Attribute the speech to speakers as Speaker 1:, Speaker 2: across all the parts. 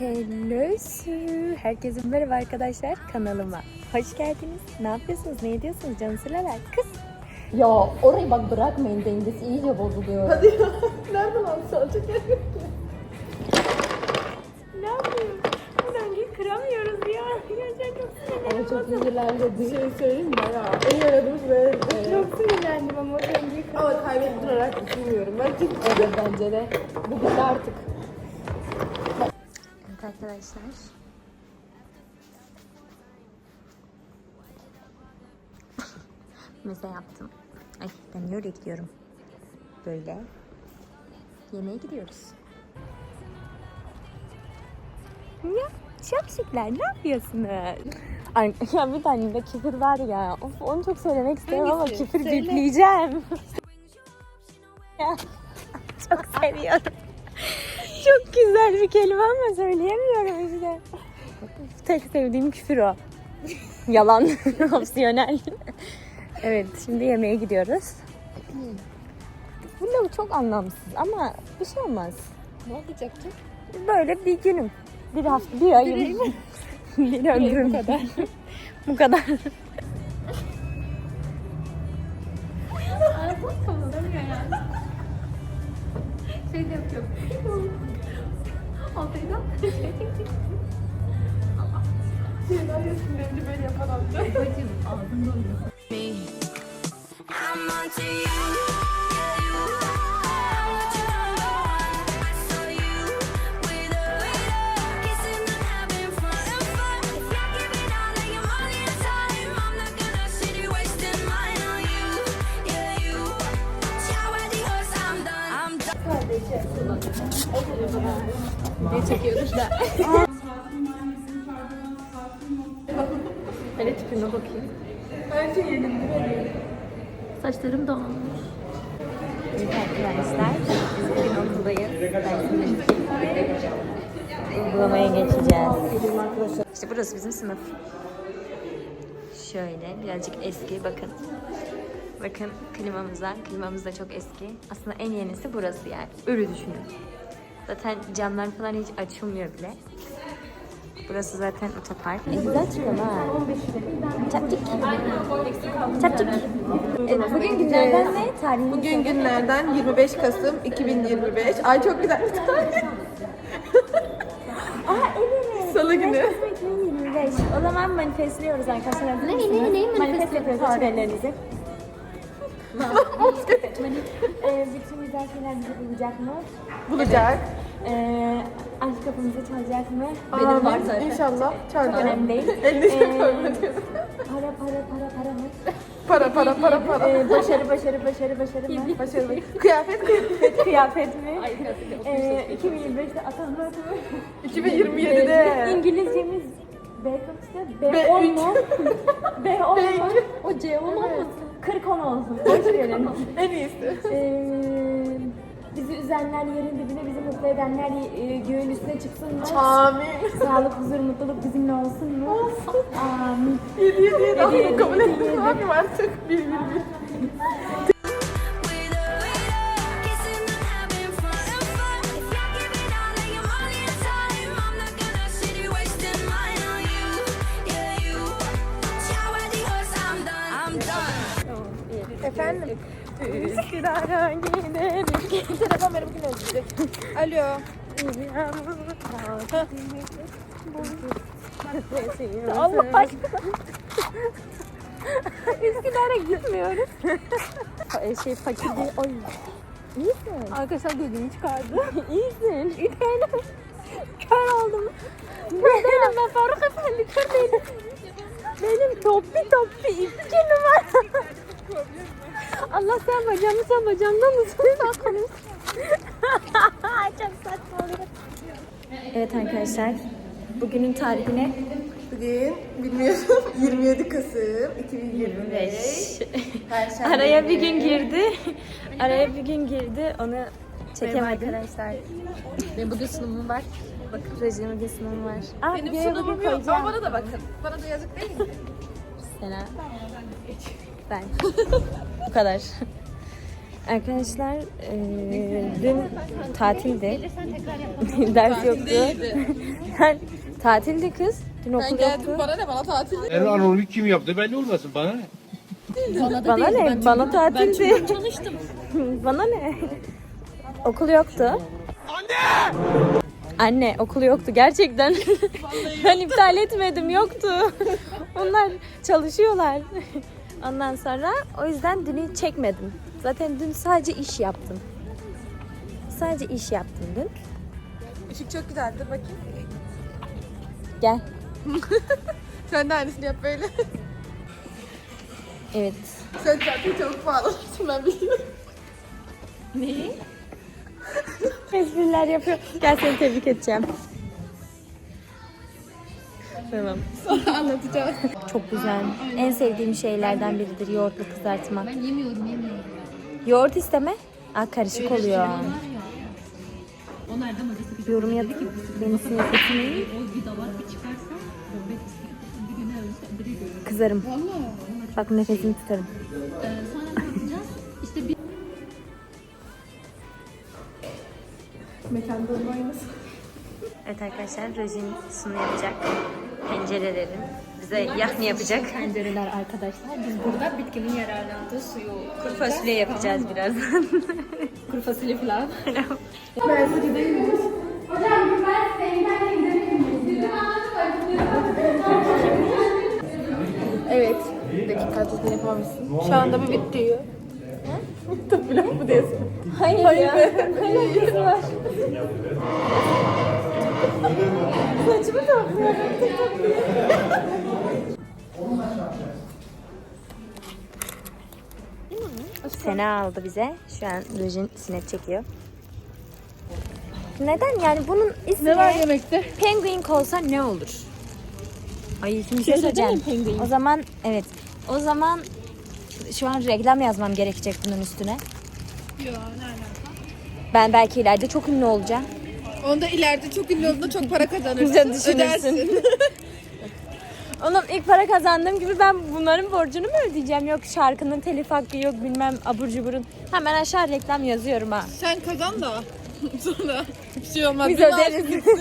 Speaker 1: Hello su. Herkese merhaba arkadaşlar, kanalıma hoş geldiniz. Ne yapıyorsunuz, ne ediyorsunuz canım sıralar? Kız.
Speaker 2: Ya orayı bak bırakmayın, dengesi iyice bozuluyor.
Speaker 3: Hadi ya. Nereden alacak yer yok ki?
Speaker 1: Ne yapıyoruz? Bu döngüyü kıramıyoruz ya. Gerçekten çok
Speaker 2: Ama
Speaker 1: sinirlendim.
Speaker 2: çok ilerledi.
Speaker 3: Şey söyleyeyim mi? Bayağı en yaradığımız ve
Speaker 1: Çok sinirlendim ama o döngüyü kıramıyoruz.
Speaker 3: ama kaybettirarak düşünmüyorum. Ben çünkü
Speaker 2: Evet bence de. Bu bitti artık.
Speaker 1: Evet arkadaşlar. Meze yaptım. Ay ben niye oraya gidiyorum? Böyle. Yemeğe gidiyoruz. Ya şapşikler ne yapıyorsunuz? Ay, ya bir tane de küfür var ya. Of, onu çok söylemek istiyorum ama küfür bipleyeceğim. Ya, çok seviyorum. Çok güzel bir kelime ama söyleyemiyorum işte. Tek sevdiğim küfür o. Yalan, opsiyonel. Evet, şimdi yemeğe gidiyoruz. Bu da çok anlamsız ama bir şey olmaz.
Speaker 2: Ne olacak ki?
Speaker 1: Böyle bir günüm. Bir hafta, bir ayım. Bir ömrüm. Bu kadar. Bu kadar.
Speaker 2: Şey de yapıyor. Altaydan.
Speaker 3: şeyler resimlerini böyle yapan amca.
Speaker 2: Bacım ağzın doluyor.
Speaker 4: I'm onto you. Yeah, you are what you want. I saw you with a kissing and having fun. If you're giving all of your money and time, I'm not gonna sit here wasting mine on you. Yeah, you. Ciao, adios, I'm done. I'm done.
Speaker 2: Ne çekiyoruz da. Hele tipime bakayım.
Speaker 3: Her şey yerinde böyle.
Speaker 2: Saçlarım dağılmış.
Speaker 1: Evet arkadaşlar, biz bugün okuldayız. Uygulamaya geçeceğiz. İşte burası bizim sınıf. Şöyle birazcık eski bakın. Bakın klimamız da çok eski. Aslında en yenisi burası yani. Öyle düşünün. Zaten camlar falan hiç açılmıyor bile. Burası zaten otopark. Güzel çıkıyor ha. Çapçık. Çapçık. Bugün günlerden ne? Tarihini
Speaker 3: Bugün günlerden 25 Kasım 2025. Ay çok güzel bir tarih.
Speaker 1: Aa evet.
Speaker 3: Salı günü.
Speaker 1: 2025. O zaman manifestliyoruz arkadaşlar.
Speaker 2: Neyi
Speaker 1: Manifest yapıyoruz açıverlerinizi. Bütün güzel şeyler bizi bulacak mı?
Speaker 3: Bulacak.
Speaker 1: Aşk kapımızı çalacak mı?
Speaker 2: Benim var
Speaker 3: Amin.
Speaker 2: zaten.
Speaker 3: İnşallah.
Speaker 1: Çok
Speaker 3: Çarpı.
Speaker 1: önemli değil.
Speaker 3: Endişe koyma diyorum.
Speaker 1: Para mı?
Speaker 3: Para.
Speaker 1: Başarı mı?
Speaker 3: Başarılı. Kıyafet.
Speaker 1: Kıyafet mi? 2025'te atanmak mı?
Speaker 3: 2027'de.
Speaker 1: İngilizcemiz B kaçta?
Speaker 3: B3.
Speaker 1: B10 mu? B10 mu?
Speaker 2: O C olmasın.
Speaker 1: 40-10 olsun. Boş verin.
Speaker 3: En iyisi.
Speaker 1: Bizi üzenler yerin dibine, bizi mutlu edenler göğün üstüne çıksın mı?
Speaker 3: Amin.
Speaker 1: Sağlık, huzur, mutluluk bizimle olsun mu?
Speaker 3: Olsun.
Speaker 1: Amin.
Speaker 3: 7 daha
Speaker 1: Yedi,
Speaker 3: kabul
Speaker 1: yedi,
Speaker 3: ettim.
Speaker 1: yedi.
Speaker 3: Ne yapayım artık? 1.
Speaker 4: With a kissing and having fun. If you're giving all of your money and time, I'm not gonna sit here wasting mine on you. Yeah, you. Ciao, adios, I'm done. I'm done.
Speaker 3: Efendim?
Speaker 1: Üsküdar'a gidelim.
Speaker 3: Telefon beni bugün özleyecek. Alo.
Speaker 1: Allah aşkına. Üsküdar'a gitmiyoruz. Fakir değil. Oy. İyisin.
Speaker 2: Arkadaşlar gözümü çıkardı.
Speaker 1: İyisin. İtelim. Kör oldum. Kör değilim ben Faruk Efendi. Kör değilim. Benim toppi 2 numara. Allah sen bacağımdan mısın? Çok saçma oluyor. Evet arkadaşlar. Bugünün tarihine
Speaker 3: Bugün bilmiyorum 27 Kasım 2025. Perşembe
Speaker 1: araya bir
Speaker 3: günü.
Speaker 1: gün girdi. Araya bir gün girdi. Onu çekemedim. Arkadaşlar.
Speaker 2: Benim bugün sunumum var.
Speaker 1: Bakın rejime bir sınavım var. Aa,
Speaker 3: Benim
Speaker 1: videoya
Speaker 3: sunumum
Speaker 1: bugün
Speaker 3: yok
Speaker 1: koyacağım.
Speaker 3: ama bana da bakın. Bana da yazık değil mi?
Speaker 1: Sena. Ben. Bu kadar. Arkadaşlar dün tatildi. Ders yoktu. Yani tatildi kız. Dün
Speaker 3: Ben
Speaker 1: okul
Speaker 3: geldim
Speaker 1: yoktu.
Speaker 3: bana ne bana tatil.
Speaker 5: Anonim kim yaptı belli olmasın bana ne?
Speaker 1: Bana ne? Bana tatildi. Çalıştım. Bana ne? Okul yoktu. Anne! Anne okul yoktu gerçekten. Ben iptal etmedim yoktu. Onlar çalışıyorlar. Ondan sonra o yüzden dünü çekmedim. Zaten dün sadece iş yaptım. Sadece iş yaptım dün.
Speaker 3: Işık çok güzeldir bakayım.
Speaker 1: Gel.
Speaker 3: Sen de aynısını yap böyle.
Speaker 1: Evet.
Speaker 3: Sen zaten çok pahalısın ben biliyorum.
Speaker 1: Espriler yapıyor. Gel seni tebrik edeceğim. Tamam.
Speaker 3: Sonra anlatacağım.
Speaker 1: Çok güzel. En sevdiğim şeylerden biridir yoğurtlu kızartma.
Speaker 2: Ben yemiyorum.
Speaker 1: Yoğurt isteme. Aa, karışık oluyor.
Speaker 2: O nereden hocası?
Speaker 1: Yorum yap. Beni sinir etmeyin.
Speaker 2: O bir davar bir çıkarsa bir güne ölse biri görür.
Speaker 1: Kızarım. Bak nefesimi tutarım.
Speaker 2: Sonra ne yapacağız? İşte bir
Speaker 3: Mekanda olmayınız.
Speaker 1: Evet arkadaşlar Rojin sunu yapacak. Pencerelerin. Bize yahni yapacak.
Speaker 2: pencereler arkadaşlar. Biz burada bitkinin yararlandığı suyu
Speaker 1: Kuru fasulye yapacağız birazdan.
Speaker 2: kuru fasulye falan.
Speaker 3: Evet. Bir dakika tadını yapamamışsın. Şu anda bu bitti diyor. Tabii lan bu diyorsun.
Speaker 1: Hayır ya. Alakası var.
Speaker 3: Saçımı topluyor.
Speaker 1: Sena aldı bize. Şu an Rojin sinek çekiyor. Neden yani bunun ismi
Speaker 3: Ne var yemekte?
Speaker 1: Penguin olsa ne olur? Ay şimdi bir şey söyleyeceğim. O zaman evet. O zaman şu an reklam yazmam gerekecek bunun üstüne.
Speaker 3: Yok ne alaka?
Speaker 1: Ben belki ileride çok ünlü olacağım.
Speaker 3: Onda ileride çok ünlü olduğunda çok para kazanırsın.
Speaker 1: Sen düşünürsün.
Speaker 3: Ödersin.
Speaker 1: Oğlum ilk para kazandığım gibi ben bunların borcunu mu ödeyeceğim? Yok şarkının telif hakkı yok bilmem abur cuburun. Hemen aşağı reklam yazıyorum ha.
Speaker 3: Sen kazan da sonra bir şey olmaz.
Speaker 1: Biz
Speaker 3: Bir maaş
Speaker 1: öderiz.
Speaker 3: gitsin.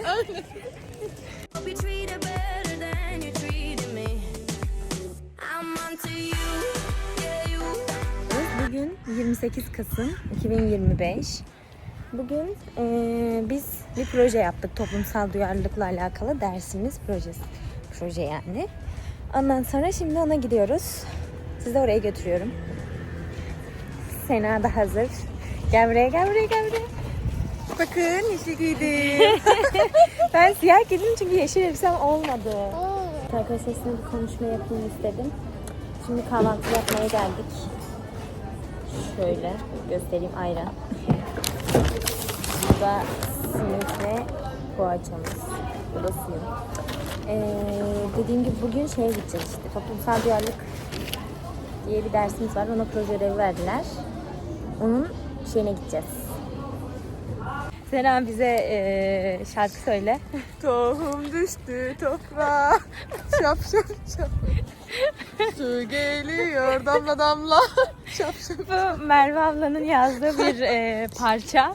Speaker 4: Be treated better than you treated me. I'm onto you, yeah you.
Speaker 1: Bugün 28 Kasım 2025. Bugün biz bir proje yaptık. Toplumsal duyarlılıkla alakalı dersimiz projesi. Proje yani. Ondan sonra şimdi ona gidiyoruz. Sizi oraya götürüyorum. Sena da hazır. Gel buraya, gel buraya, gel buraya.
Speaker 3: Bakın yeşil giydim.
Speaker 1: Ben siyah giydim çünkü yeşil elbisem olmadı. Arkadaşlar sizinle bir konuşma yapayım istedim. Şimdi kahvaltı yapmaya geldik. Şöyle göstereyim ayran. Bu da simit ve poğaçamız. Bu da suyum. Dediğim gibi bugün şeye gideceğiz işte. Toplumsal duyarlılık diye bir dersimiz var. Ona proje ödevi verdiler. Onun şeyine gideceğiz. Sena bize şarkı söyle.
Speaker 3: Tohum düştü toprağa. Şap şap şap. Su geliyor damla damla. Şap şap.
Speaker 1: Bu Merve ablanın yazdığı bir parça.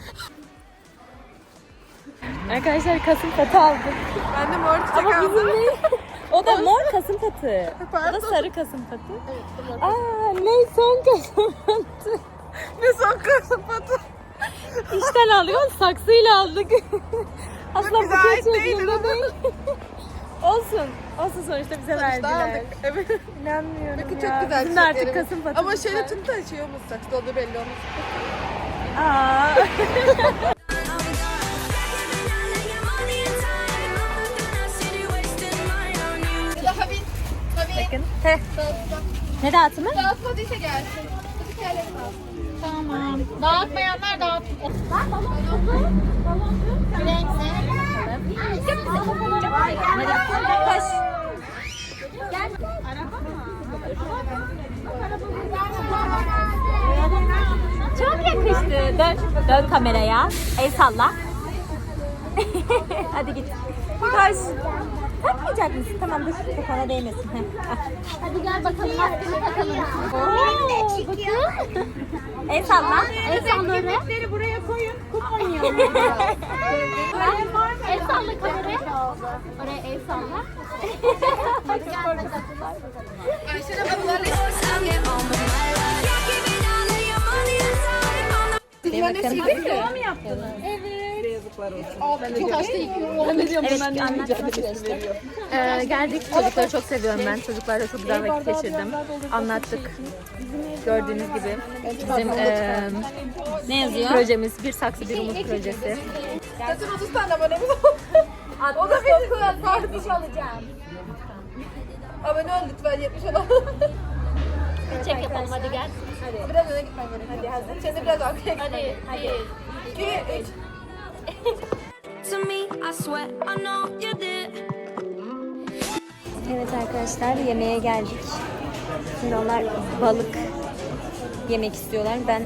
Speaker 1: Arkadaşlar kasım patı aldık.
Speaker 3: Ben de mor çiçek
Speaker 1: Ama
Speaker 3: aldım.
Speaker 1: bizim değil. O da mor kasım patı. O da
Speaker 3: Pardon.
Speaker 1: sarı kasım patı.
Speaker 3: Evet,
Speaker 1: Aa ne son kasım patı.
Speaker 3: ne son kasım patı.
Speaker 1: İşten aldık ama saksıyla aldık. Aslında
Speaker 3: bize
Speaker 1: buket
Speaker 3: ait değil,
Speaker 1: şeklinde değil. Olsun. Olsun sonuçta bize verdiler.
Speaker 3: aldık. Evet.
Speaker 1: İnanmıyorum
Speaker 3: Bakın
Speaker 1: ya.
Speaker 3: çok güzel
Speaker 1: Bizim de artık
Speaker 3: çiçeklerimiz.
Speaker 1: kasım patı.
Speaker 3: Ama şöyle tut da şey olmaz. Saksıda olduğu belli olmaz.
Speaker 1: Aa.
Speaker 3: Tabii.
Speaker 1: Bakın. Heh. Ne dağıtımı?
Speaker 3: Dağıtmadıysa gelsin. Hadi kellerim alsın.
Speaker 2: Tamam. Dağıtmayanlar dağıtın.
Speaker 1: Koş. Çok yakıştı. Dön kameraya. El salla. Hadi git. Taş. Takmayacak mısın? Tamam dur. Kafana değmesin. Heh, al.
Speaker 2: Hadi gel bakalım maskeni takalım.
Speaker 1: El salla.
Speaker 2: El salla öyle.
Speaker 3: buraya koyun. Kum oynayalım.
Speaker 2: El salla kameraya. Oraya el salla. Hadi gel bakalım.
Speaker 4: I'll get on with my life. You're giving all of your money and time on the
Speaker 1: Geldik. Çocukları çok seviyorum ben. Çocuklarla çok güzel vakit geçirdim. Anlattık. Gördüğünüz gibi bizim ne yazıyor? Projemiz Bir Saksı Bir Umut projesi.
Speaker 3: Zaten 30 tane abonemiz oldu. O da benim kardeş alacağım. Abone ol lütfen 70 olalım.
Speaker 2: Çek yapalım hadi gel.
Speaker 3: Biraz öne gitmen gerek. Hadi hazır. Sen de biraz arkaya gitmen gerek.
Speaker 2: Hadi.
Speaker 3: 2, 3.
Speaker 4: to me, I swear I know you did.
Speaker 1: Evet arkadaşlar yemeğe geldik. Şimdi onlar balık yemek istiyorlar. Ben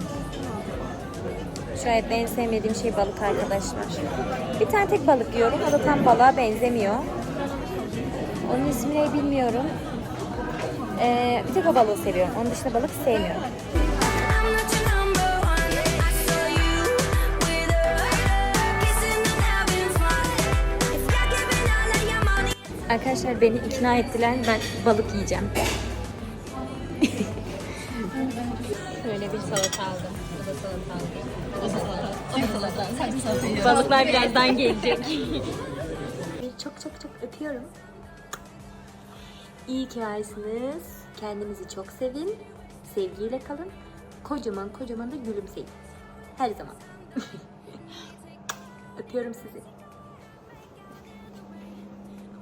Speaker 1: şayet en sevmediğim şey balık arkadaşlar. Bir tane tek balık yiyorum. O da tam balığa benzemiyor. Onun ismini bilmiyorum. Bir tek o balığı seviyorum. Onun dışında balık sevmiyorum.
Speaker 4: I'm not your number one. I saw you with her, kissing and having fun. If you're giving all of your money.
Speaker 1: Arkadaşlar beni ikna ettiler. Ben balık yiyeceğim. Şöyle bir salata aldım. Bu da salata aldım. Bu da salata. Balıklar birazdan gelecek. Çok öpüyorum. İyi ki varsınız. Kendinizi çok sevin. Sevgiyle kalın. Kocaman da gülümseyin. Her zaman. Öpüyorum sizi.